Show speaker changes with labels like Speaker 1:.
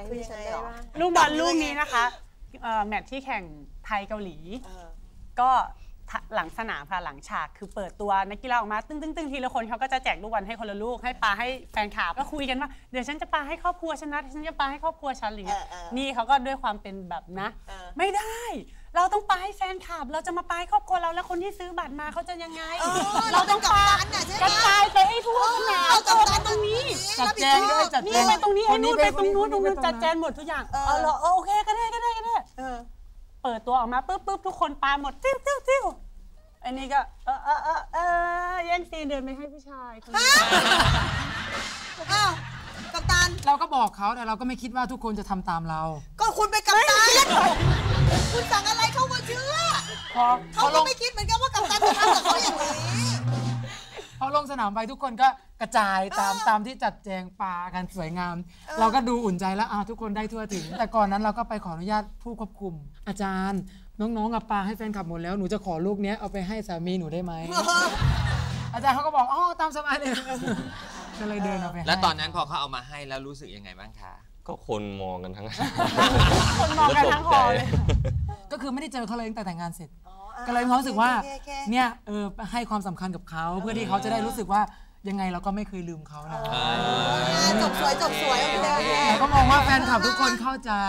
Speaker 1: คือยังไงหรอ
Speaker 2: ลูกบอลลูกนี้นะคะแมตช์ที่แข่งไทยเกาหลีก็หลังสนามค่ะหลังฉากคือเปิดตัวนักกีฬาออกมาตึ้งทีละคนเขาก็จะแจกลูกบอลให้คนละลูกให้ปาให้แฟนคลับก็คุยกันว่าเดี๋ยวฉันจะปาให้ครอบครัวฉันนะฉันจะปาให้ครอบครัวฉันหรือนี่เขาก็ด้วยความเป็นแบบนะไม่ได้เราต้องปาให้แฟนคลับเราจะมาปาให้ครอบครัวเราแล้วคนที่ซื้อบัตรมาเขาจะยังไงเราต้องปากระจายไปให้ทั่วสนามตรงนี้
Speaker 3: จัดแจงด้วยจัดแจง
Speaker 2: ไปตรงนี้ไอ้นู่นไปตรงนู้นจัดแจงหมดทุกอย่างโอเคก็ได้เปิดตัวออกมาปุ๊บทุกคนปาหมดติ้วอันนี้ก็แย่งซีนเดินไปให้ผู้ชายคนนี้
Speaker 1: อ้าวกัปตัน
Speaker 3: เราก็บอกเขาแต่เราก็ไม่คิดว่าทุกคนจะทำตามเรา
Speaker 1: ก็คุณเป็นกัปตันคุณสั่งอะไรเขาก็เชื่อเขาก็ไม่คิดเหมือนกันว่ากัปตันจะทำกับเขาอย่างนี้
Speaker 3: พอลงสนามไปทุกคนก็กระจายตามที่จัดแจงปากันสวยงามเราก็ดูอุ่นใจแล้วทุกคนได้ทั่วถึงแต่ก่อนนั้นเราก็ไปขออนุญาตผู้ควบคุมอาจารย์น้องๆปาให้แฟนคลับหมดแล้วหนูจะขอลูกนี้เอาไปให้สามีหนูได้ไหมอาจารย์เขาก็บอกตามสบายเลยก็เลยเดินเอาไป
Speaker 4: แล้วตอนนั้นพอเขาเอามาให้แล้วรู้สึกยังไงบ้างคะ
Speaker 5: ก็คนมองกันทั้ง
Speaker 2: คนมองกันทั้งหอเลย
Speaker 3: ก็คือไม่ได้เจอเขาเลยตั้งแต่แต่งงานเสร็จก็เลยมีความรู้สึกว่าเนี่ยให้ความสำคัญกับเขาเพื่อที่เขาจะได้รู้สึกว่ายังไงเราก็ไม่เคยลืมเขานะ
Speaker 1: จบสวย
Speaker 3: แต่ก็มองว่าแฟนคลับทุกคนเข้าใจ